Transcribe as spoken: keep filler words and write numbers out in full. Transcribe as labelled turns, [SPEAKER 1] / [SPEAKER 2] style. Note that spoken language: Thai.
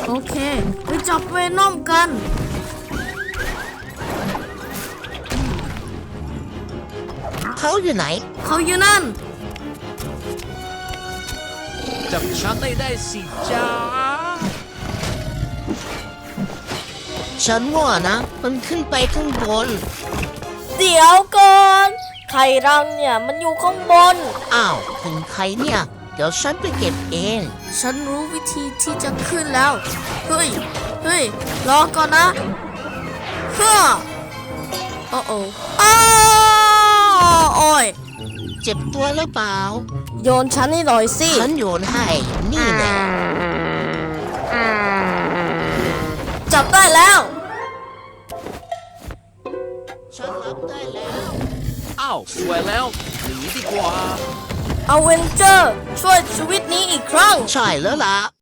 [SPEAKER 1] โอเคไปจับเวนอมกัน
[SPEAKER 2] เขาอยู่ไหน
[SPEAKER 1] เขาอยู่นั่น
[SPEAKER 3] จับฉันได้ได้สิจ้า
[SPEAKER 2] ฉันว่านะมันขึ้นไปข้างบน
[SPEAKER 4] เดี๋ยวก่อนไข่รังเนี่ยมันอยู่ข้างบน
[SPEAKER 2] อ้าวถึงใครเนี่ย เดี๋ยวฉันไปเก็บเอง
[SPEAKER 1] ฉันรู้วิธีที่จะขึ้นแล้ว เฮ้ย เฮ้ย รอก่อนนะเฮ้อโอ้โอ้อ้าวโอ้ย
[SPEAKER 2] เจ็บตัวหรือเปล่า
[SPEAKER 4] โยนฉันให้หน่อยสิ
[SPEAKER 2] ฉันโยนให้ นี่แน่
[SPEAKER 4] จับได้แล้ว
[SPEAKER 2] ฉันรับได้แล้ว
[SPEAKER 3] อ้าวสวยแล้วหนีดีกว่า
[SPEAKER 4] เอาเวนเจอร์ช่วยชีวิตนี้อีกครั้ง
[SPEAKER 2] ใช่แล้วล่ะ